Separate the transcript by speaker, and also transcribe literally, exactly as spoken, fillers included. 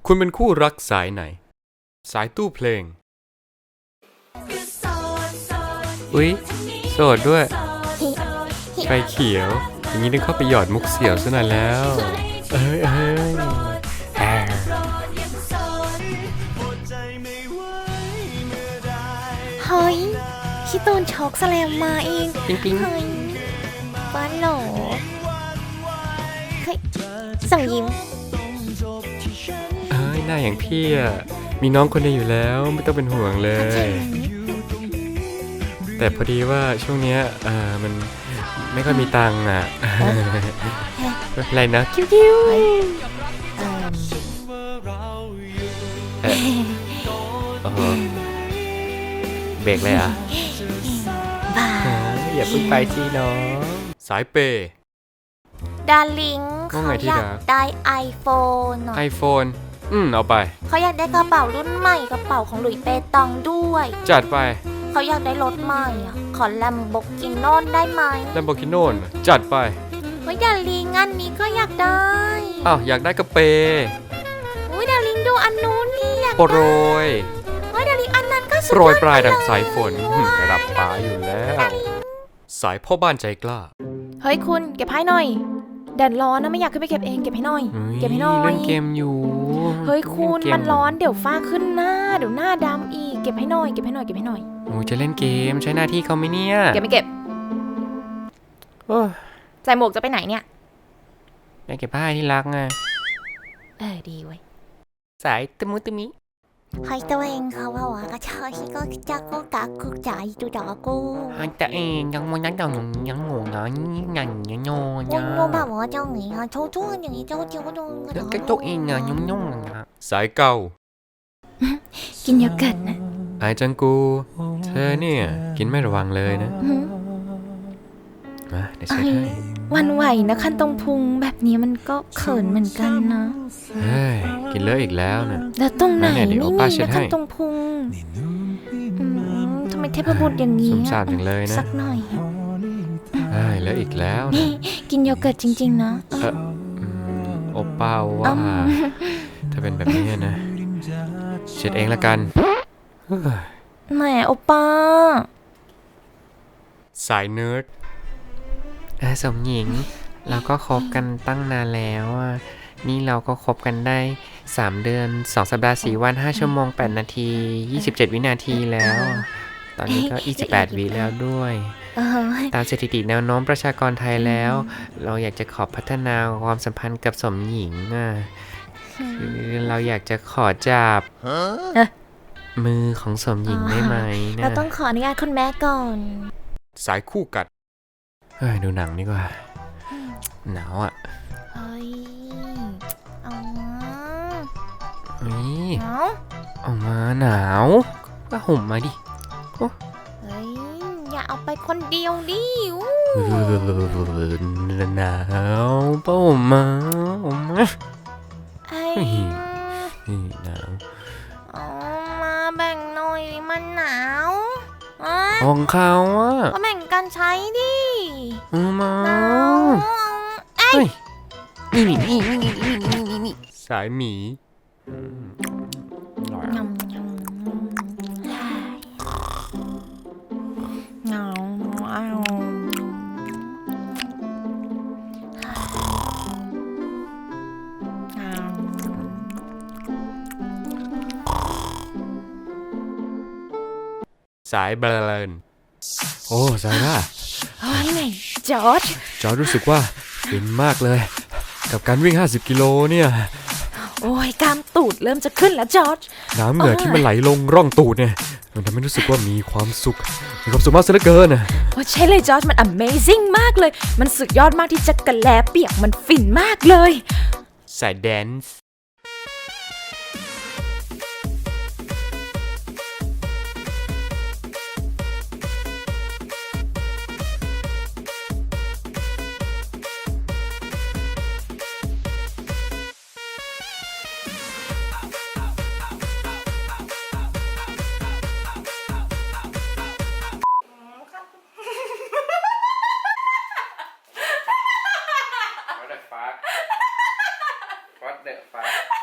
Speaker 1: คุณเป็นคู่รักสายไหนสายตู้เพลงอุ๊ยโสดด้วยไฟเขียวอย่างนี้ต้องเข้าไปหยอดมุกเสี่ยวซะหน่อยแล้วเอ้ยเอ้ยแฮ
Speaker 2: เฮ้ยพี่ตูนช็อกแสลมมาเอง
Speaker 1: ปิ๊งปิ๊ง
Speaker 2: เฮ้ยบ้านหรอเฮ้ยส่งยิ้ม
Speaker 1: เอ้ยหน้าอย่างพี่อ่ะมีน้องคนเดียวอยู่แล้วไม่ต้องเป็นห่วงเลย แต่พอดีว่าช่วงนี้เออมันไม่ค่อยมีตังค์อ่ะไม่เป็นไรนะคิวคิวเออโอ้โหเบรกเลยอ่ะ
Speaker 2: บ้า
Speaker 1: อย่าเพิ่งไปสิน้องสายเปย์
Speaker 2: ดาริงเขาอยากได้ไอโฟน
Speaker 1: ไอโฟนอืมเอาไป
Speaker 2: เขาอยากได้กระเป๋ารุ่นใหม่กระเป๋าของหลุยส์เปตองด้วย
Speaker 1: จัดไป
Speaker 2: เขาอยากได้รถใหม่อ่ะขอแลมโบกิโน่ได้ไหม
Speaker 1: แลมโบกิโน่จัดไป
Speaker 2: เฮ้ยดาริงอันนี้ก็อยากได้
Speaker 1: อ้าวอยากได้กระเป
Speaker 2: อุ้ยดาริงดูอันนู้นนี่อยาก
Speaker 1: โปรย
Speaker 2: เฮ้ยดาริงอันนั้นก็สวย
Speaker 1: โปรยปลายดังสายฝนระดับฟ้าอยู่แล้วสายพ่อบ้านใจกล้า
Speaker 2: เฮ้ยคุณเก็บให้หน่อยแดดร้อนนะไม่อยากขึ้นไปเก็บเองเก็บให้หน่อยเก็บให้หน่อย
Speaker 1: เล่นเกมอยู่
Speaker 2: เฮ้ยคุณมันร้อนเดี๋ยวฟ้าขึ้นหน้าเดี๋ยวหน้าดำอีกเก็บให้หน่อยเก็บให้หน่อยเก็บให้หน่อย
Speaker 1: โอ้จะเล่นเกมใช้หน้าที่เขาไหมเนี่ย
Speaker 2: เก็บไม่เก็บใส่หมวกจะไปไหนเนี่ย
Speaker 1: ไปเก็บผ้าที่รักไง
Speaker 2: เออดีเว้ย
Speaker 1: สายตะมุตะมิ
Speaker 2: ใครตัวเองเขาว่าว่าก็ชอบที่ก็จะก็กักกุกใจดูดอกกู
Speaker 1: ให้ตัวเองยังมันยังยังยังงงยังยังยังโง่
Speaker 2: ยังโง่แบบว่าเจ้าหนีอ่ะโชว์ช่วงอย่างนี้เจ้าเจ้าก็โดน
Speaker 1: ก็ตัวเองอ่ะยุ่งยุ่งอ่ะสายเก่า
Speaker 2: กินโยเกิร์ตนะ
Speaker 1: ไอจังกูเธอเนี่ยกินไม่ระวังเลยนะมาเดี๋ยวเช็ดให้
Speaker 2: วันไหวนะคันตรงพุงแบบนี้มันก็เขินเหมือนกันนะ
Speaker 1: เฮ้ยกินเลอะอีกแล้วนะ
Speaker 2: แล้วตรงไหนไม่มีนะคันตรงพุงทำไมเทพบุตรอย่างนี้
Speaker 1: สมสารจังเลยนะ
Speaker 2: สักหน่อย
Speaker 1: เฮ้ยเลอะอีกแล้ว
Speaker 2: นี่กินโยเกิร์ตจริงๆนะ
Speaker 1: เออโอเป้าว่าถ้าเป็นแบบนี้นะเช็ดเองละกัน
Speaker 2: แหมโอป้า
Speaker 1: สายเนิร์ดสมหญิงเราก็คบกันตั้งนานแล้วนี่เราก็คบกันได้สามเดือนสองสัปดาห์สี่วันห้าชั่วโมงแปดนาทียี่สิบเจ็ดวินาทีแล้วตอนนี้ก็ยี่สิบแปดวิแล้วด้วยตามสถิติแนวโน้มประชากรไทยแล้วเราอยากจะขอพัฒนาความสัมพันธ์กับสมหญิงอ่ะคือเราอยากจะขอจับมือของสมหญิงได้ไหมนะ
Speaker 2: เราต้องขออนุญาตคุณแม่ก่อน
Speaker 1: สายคู่กัดเฮ้ยดูหนังดีกว่าหนาวอ่ะ
Speaker 2: เฮ้ยเอามา
Speaker 1: เฮ้ย
Speaker 2: หนาว
Speaker 1: เอามาหนาวก็ห่มมาดิ
Speaker 2: เฮ้ยอย่าเอาไปคนเดียวดิ
Speaker 1: หนาวป้าห่มมาห่มมา
Speaker 2: เฮ้ย
Speaker 1: หนาว
Speaker 2: เอามาแบ่งหน่อยมันหนาว
Speaker 1: ของเขาอ่ะ
Speaker 2: ก็แบ่งกันใช้ดิ
Speaker 1: มา
Speaker 2: เอ้ย
Speaker 1: นี่นี่นี่นี่นี่นี่นี่นี่สายหมี
Speaker 2: ยำยำเงาเอา
Speaker 1: สายเบลนโอ้ซาร่า
Speaker 2: เฮ้ยไหนจอร์จ
Speaker 1: จอร์จรู้สึกว่าฟินมากเลยกับการวิ่งห้าสิบกิโลเนี่ย
Speaker 2: โอ้ยกล้ามตูดเริ่มจะขึ้นแล้วจอร์จ
Speaker 1: น้ำเหงื่อที่มันไหลลงร่องตูดเนี่ยมันทำให้รู้สึกว่ามีความสุขมีความสุขมากซะเหลือเกินนะ
Speaker 2: โอ้ใช่เลยจอร์จมัน Amazing มากเลยมันสุดยอดมากที่จะกระแลเปียกมันฟินมากเลย
Speaker 1: สายแดนซ์What the fuck?